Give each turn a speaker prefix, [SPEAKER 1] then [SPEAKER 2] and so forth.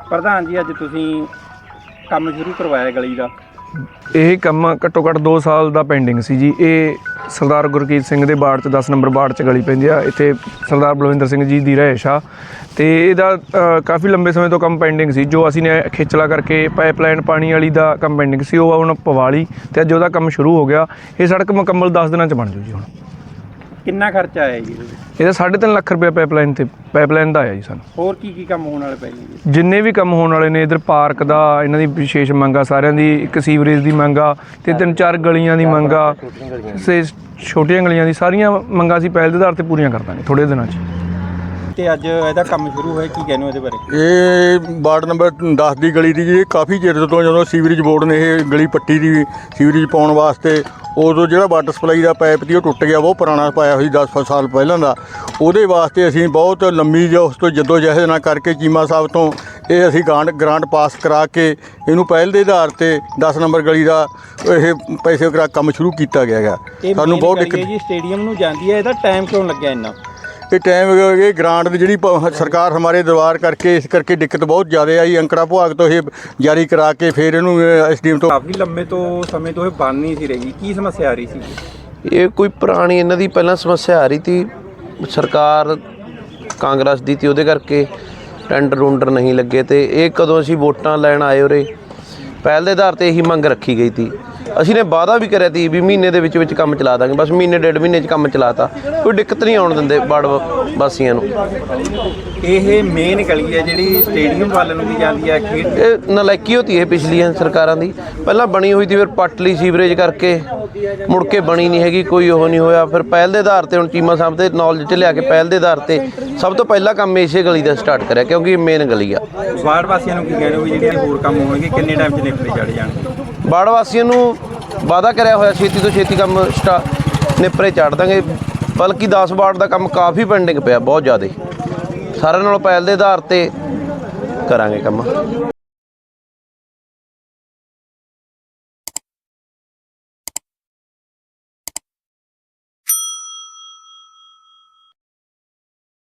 [SPEAKER 1] ਪ੍ਰਧਾਨ ਜੀ ਅੱਜ ਤੁਸੀਂ ਕੰਮ ਸ਼ੁਰੂ ਕਰਵਾਇਆ ਗਲੀ ਦਾ।
[SPEAKER 2] ਇਹ ਕੰਮ ਘੱਟੋ ਘੱਟ 2 ਸਾਲ ਦਾ ਪੈਂਡਿੰਗ ਸੀ ਜੀ। ਇਹ ਸਰਦਾਰ ਗੁਰਕੀਰਤ ਸਿੰਘ ਦੇ ਵਾਰਡ 'ਚ 10 ਨੰਬਰ ਵਾਰਡ 'ਚ ਗਲੀ ਪੈਂਦੀ ਆ। ਇੱਥੇ ਸਰਦਾਰ ਬਲਵਿੰਦਰ ਸਿੰਘ ਜੀ ਦੀ ਰਿਹਾਇਸ਼ ਆ ਅਤੇ ਇਹਦਾ ਕਾਫੀ ਲੰਬੇ ਸਮੇਂ ਤੋਂ ਕੰਮ ਪੈਂਡਿੰਗ ਸੀ। ਜੋ ਅਸੀਂ ਨੇ ਖੇਚਲਾ ਕਰਕੇ ਪਾਈਪਲਾਈਨ ਪਾਣੀ ਵਾਲੀ ਦਾ ਕੰਮ ਪੈਂਡਿੰਗ ਸੀ, ਉਹ ਹੁਣ ਪਵਾ ਲਈ ਅਤੇ ਅੱਜ ਉਹਦਾ ਕੰਮ ਸ਼ੁਰੂ ਹੋ ਗਿਆ। ਇਹ ਸੜਕ ਮੁਕੰਮਲ 10 ਦਿਨਾਂ 'ਚ ਬਣ ਜੂ ਜੀ। ਹੁਣ
[SPEAKER 1] ਕਿੰਨਾ ਖਰਚਾ ਆਇਆ ਜੀ
[SPEAKER 2] ਇਹਦਾ 3.5 ਲੱਖ ਰੁਪਇਆ ਪਾਈਪਲਾਈਨ ਦਾ ਆਇਆ ਜੀ ਸਾਨੂੰ।
[SPEAKER 1] ਹੋਰ ਕੀ ਕੰਮ ਹੋਣ ਵਾਲੇ ਪਏ ਜੀ?
[SPEAKER 2] ਜਿੰਨੇ ਵੀ ਕੰਮ ਹੋਣ ਵਾਲੇ ਨੇ, ਇੱਧਰ ਪਾਰਕ ਦਾ ਇਹਨਾਂ ਦੀ ਵਿਸ਼ੇਸ਼ ਮੰਗ ਆ ਸਾਰਿਆਂ ਦੀ, ਇੱਕ ਸੀਵਰੇਜ ਦੀ ਮੰਗ ਆ ਅਤੇ 3-4 ਗਲੀਆਂ ਦੀ ਮੰਗ ਆ, ਛੋਟੀਆਂ ਗਲੀਆਂ ਦੀ ਸਾਰੀਆਂ ਮੰਗਾਂ ਅਸੀਂ ਪਹਿਲ ਦੇ ਆਧਾਰ 'ਤੇ ਪੂਰੀਆਂ ਕਰ ਦਾਂਗੇ ਥੋੜ੍ਹੇ ਦਿਨਾਂ 'ਚ।
[SPEAKER 1] ਤੇ ਅੱਜ ਇਹਦਾ ਕੰਮ ਸ਼ੁਰੂ ਹੋਇਆ, ਕੀ ਕਹਿੰਦੇ ਹੋ ਇਹਦੇ ਬਾਰੇ?
[SPEAKER 3] ਇਹ ਵਾਰਡ ਨੰਬਰ 10 ਦੀ ਗਲੀ ਦੀ ਜੀ। ਕਾਫੀ ਚਿਰ ਤੋਂ ਜਦੋਂ ਸੀਵਰੇਜ ਬੋਰਡ ਨੇ ਇਹ ਗਲੀ ਪੱਟੀ ਦੀ ਸੀਵਰੇਜ ਪਾਉਣ ਵਾਸਤੇ, ਉਦੋਂ ਜਿਹੜਾ ਵਾਟਰ ਸਪਲਾਈ ਦਾ ਪਾਈਪ ਸੀ ਉਹ ਟੁੱਟ ਗਿਆ, ਬਹੁਤ ਪੁਰਾਣਾ ਪਾਇਆ ਹੋਈ 10 ਸਾਲ ਪਹਿਲਾਂ ਦਾ। ਉਹਦੇ ਵਾਸਤੇ ਅਸੀਂ ਬਹੁਤ ਲੰਮੀ ਜੋ ਉਸ ਤੋਂ ਜਹਿਦ ਨਾ ਕਰਕੇ ਚੀਮਾ ਸਾਹਿਬ ਤੋਂ ਇਹ ਅਸੀਂ ਗ੍ਰਾਂਟ ਪਾਸ ਕਰਾ ਕੇ ਇਹਨੂੰ ਪਹਿਲ ਦੇ ਆਧਾਰ 'ਤੇ 10 ਨੰਬਰ ਗਲੀ ਦਾ ਇਹ ਪੈਸੇ ਕਰਾ ਕੰਮ ਸ਼ੁਰੂ ਕੀਤਾ ਗਿਆ ਹੈਗਾ। ਸਾਨੂੰ ਬਹੁਤ ਦਿੱਕਤ
[SPEAKER 1] ਜੀ ਸਟੇਡੀਅਮ ਨੂੰ ਜਾਂਦੀ ਹੈ, ਇਹਦਾ ਟਾਈਮ ਕਿਉਂ ਲੱਗਿਆ ਇੰਨਾ?
[SPEAKER 3] ਇਹ ਟਾਈਮ ਇਹ ਗ੍ਰਾਂਟ ਦੀ ਜਿਹੜੀ ਸਰਕਾਰ ਹਮਾਰੇ ਦਰਬਾਰ ਕਰਕੇ ਇਸ ਕਰਕੇ ਦਿੱਕਤ ਬਹੁਤ ਜ਼ਿਆਦਾ ਆਈ। ਅੰਕੜਾ ਵਿਭਾਗ ਤੋਂ ਇਹ ਜਾਰੀ ਕਰਾ ਕੇ ਫਿਰ ਇਹਨੂੰ ਐਸਡੀਐਮ ਤੋਂ
[SPEAKER 1] ਕਾਫੀ ਲੰਬੇ ਤੋਂ ਸਮੇਂ ਤੋਂ ਇਹ ਬਣ ਨਹੀਂ ਸੀ ਰਹੀ। ਕੀ ਸਮੱਸਿਆ ਆ ਰਹੀ ਸੀ?
[SPEAKER 4] ਇਹ ਕੋਈ ਪੁਰਾਣੀ ਇਹਨਾਂ ਦੀ ਪਹਿਲਾਂ ਸਮੱਸਿਆ ਆ ਰਹੀ ਤੀ, ਸਰਕਾਰ ਕਾਂਗਰਸ ਦੀ ਤੀ, ਉਹਦੇ ਕਰਕੇ ਟੈਂਡਰ ਨਹੀਂ ਲੱਗੇ। ਅਤੇ ਇਹ ਕਦੋਂ ਅਸੀਂ ਵੋਟਾਂ ਲੈਣ ਆਏ ਉਰੇ ਪਹਿਲ ਦੇ ਆਧਾਰ 'ਤੇ ਇਹੀ ਮੰਗ ਰੱਖੀ ਗਈ ਤੀ। ਅਸੀਂ ਨੇ ਵਾਅਦਾ ਵੀ ਕਰਿਆ ਤੀ ਵੀ ਮਹੀਨੇ ਦੇ ਵਿੱਚ ਕੰਮ ਚਲਾ ਦਾਂਗੇ, ਬਸ ਮਹੀਨੇ 1.5 ਮਹੀਨੇ 'ਚ ਕੰਮ ਚਲਾਤਾ। ਕੋਈ ਦਿੱਕਤ ਨਹੀਂ ਆਉਣ ਦਿੰਦੇ ਵਾਰਡ ਵਾਸੀਆਂ ਨੂੰ।
[SPEAKER 1] ਇਹ ਮੇਨ ਗਲੀ ਹੈ ਜਿਹੜੀ ਸਟੇਡੀਅਮ ਵੱਲ ਨੂੰ ਵੀ ਜਾਂਦੀ ਹੈ।
[SPEAKER 4] ਇਹ ਨਲਾਇਕੀ ਹੋਤੀ ਹੈ ਪਿਛਲੀਆਂ ਸਰਕਾਰਾਂ ਦੀ। ਪਹਿਲਾਂ ਬਣੀ ਹੋਈ ਤੀ, ਫਿਰ ਪੱਟ ਲਈ ਸੀਵਰੇਜ ਕਰਕੇ, ਮੁੜ ਕੇ ਬਣੀ ਨਹੀਂ ਹੈਗੀ, ਕੋਈ ਉਹ ਨਹੀਂ ਹੋਇਆ। ਫਿਰ ਪਹਿਲ ਦੇ ਆਧਾਰ 'ਤੇ ਹੁਣ ਚੀਮਾ ਸਾਹਿਬ ਦੇ ਨੌਲੇਜ 'ਚ ਲਿਆ ਕੇ ਪਹਿਲ ਦੇ ਆਧਾਰ 'ਤੇ ਸਭ ਤੋਂ ਪਹਿਲਾਂ ਕੰਮ ਇਸੇ ਗਲੀ ਦਾ ਸਟਾਰਟ ਕਰਿਆ, ਕਿਉਂਕਿ ਇਹ ਮੇਨ ਗਲੀ ਆ।
[SPEAKER 1] ਵਾਰਡ ਵਾਸੀਆਂ ਨੂੰ ਕੀ ਕਹਿੰਦੇ ਹੋ ਵੀ ਜਿਹੜੇ ਹੋਰ ਕੰਮ ਹੋਣਗੇ ਕਿੰਨੇ ਟਾਈਮ 'ਚ ਨਿਪਟੇ ਚੜ ਜਾਣਗੇ?
[SPEAKER 4] ਵਾਰਡ ਵਾਸੀਆਂ ਨੂੰ ਵਾਅਦਾ ਕਰਿਆ ਹੋਇਆ ਛੇਤੀ ਤੋਂ ਛੇਤੀ ਕੰਮ ਨਿਪਰੇ ਚੜ੍ਹ ਦਾਂਗੇ। ਬਲਕਿ 10 ਵਾਰਡ ਦਾ ਕੰਮ ਕਾਫੀ ਪੈਂਡਿੰਗ ਪਿਆ, ਬਹੁਤ ਜ਼ਿਆਦਾ। ਸਾਰਿਆਂ ਨਾਲੋਂ ਪਹਿਲ ਦੇ ਆਧਾਰ 'ਤੇ ਕਰਾਂਗੇ ਕੰਮ।